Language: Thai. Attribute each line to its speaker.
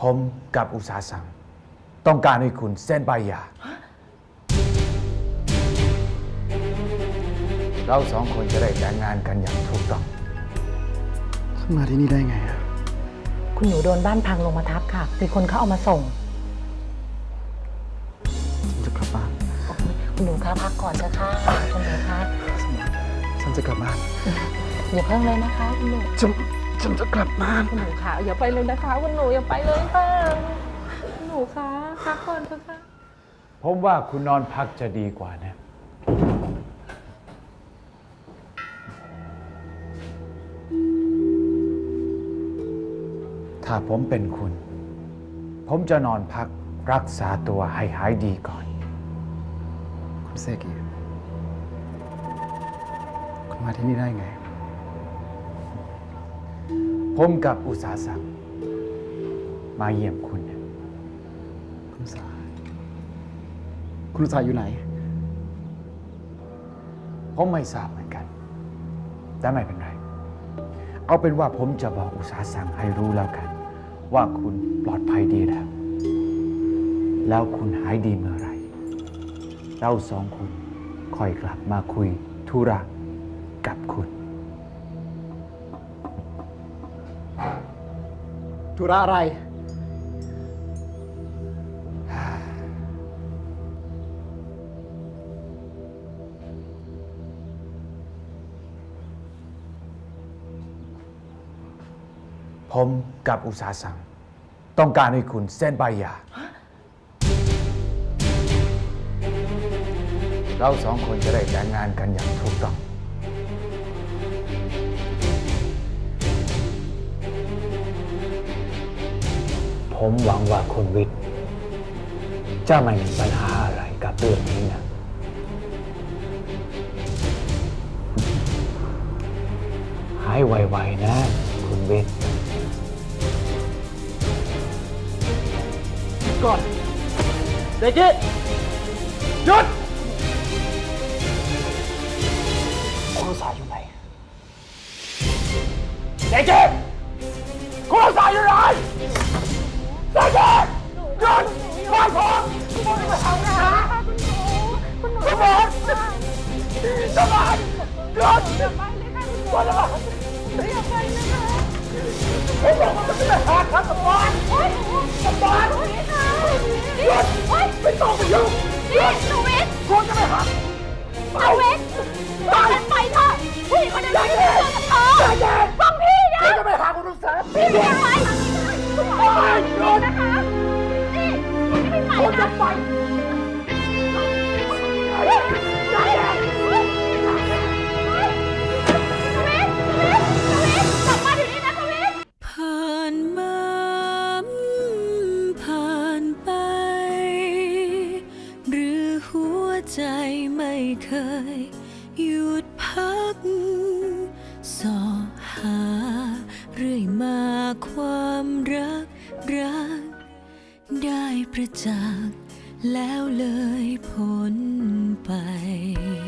Speaker 1: ผมกับอุตสาหสังต้องการให้คุณเซ็นใบหย่าเราสองคนจะได้แต่งงานกันอย่างถูกต้อง
Speaker 2: ท่านมาที่นี่ได้ไงอะ
Speaker 3: คุณหนูโดนบ้านพังลงมาทับค่ะมีคนเขาเอามาส่ง
Speaker 2: ฉันจะกลับบ้าน
Speaker 3: คุณหนูคะพักก่อนเถอะค่ะคุณหนูคะ
Speaker 2: ฉันจะกลับบ้าน
Speaker 3: อย่าเพิ่งเลยนะคะคุณหนู
Speaker 2: ฉันจะกลับบ้าน
Speaker 3: คุณหนูคะอย่าไปเลยนะคะคุณหนูอย่าไปเลยค่ะคุณหนูคะพักก่อนเถอะค่ะ
Speaker 1: ผมว่าคุณนอนพักจะดีกว่านะถ้าผมเป็นคุณ ผมจะนอนพักรักษาตัวให้หายดีก่อน
Speaker 2: คุณเซกิคุณมาที่นี่ได้ไง
Speaker 1: ผมกับอุตสาหสังมาเยี่ยมคุณเนี่ย
Speaker 2: คุณสายคุณสายอยู่ไหน
Speaker 1: ผมไม่ทราบเหมือนกัน แต่ไม่เป็นไร เอาเป็นว่าผมจะบอกอุตสาหสังให้รู้แล้วกัน ว่าคุณปลอดภัยดีแล้ว แล้วคุณหายดีเมื่อไหร่เราสองคนค่อยกลับมาคุยธุระกับคุณ
Speaker 2: ธุระอะไร
Speaker 1: ผมกับอุตสาหสังต้องการให้คุณเซ็นใบหย่าเราสองคนจะได้แต่งงานกันอย่างถูกต้อง ผมหวังว่าคุณวิทย์จะไม่มีปัญหาอะไรกับเรื่องนี้นะ หายไวๆนะ คุณวิทย์
Speaker 2: ก่อนเด็กกี้หยุดคุณสายอยู่ไหนเด็กกี้คุณสายอยู่ไหนเด็กกี้หยุดฟังผมคุณจะมาทำนะคุณหมอทำไมหยุดคุณจะมาอย่าไปเลยค่ะผมบอกว่ามันจะไม่หาทางสบายสบายหยุดไม่ต้องไปยุ่งหยุด
Speaker 4: หนูวิทย์
Speaker 2: คุณจะไม่หา
Speaker 4: หนูวิทย์ตอนนั้นไปเถอะผู้หญิงคนนั้นไม่ได้เจอกับเธอฟังพี่นะ
Speaker 2: คุณจะไม่หาคุณลูกสาว
Speaker 4: พี่เลี้ยงไว้คุณหมอหยุดนะคะนี่ไม่ไป
Speaker 2: คุณจะ
Speaker 4: นะ
Speaker 2: ไป
Speaker 4: กลับมาเดี๋ยวนี้นะทวิทย์
Speaker 5: ผ่านมาผ่านไป หรือหัวใจไม่เคย หยุดพักสอหา เรื่อยมาความรัก ได้ประจักษ์แล้วเลยพ้นไป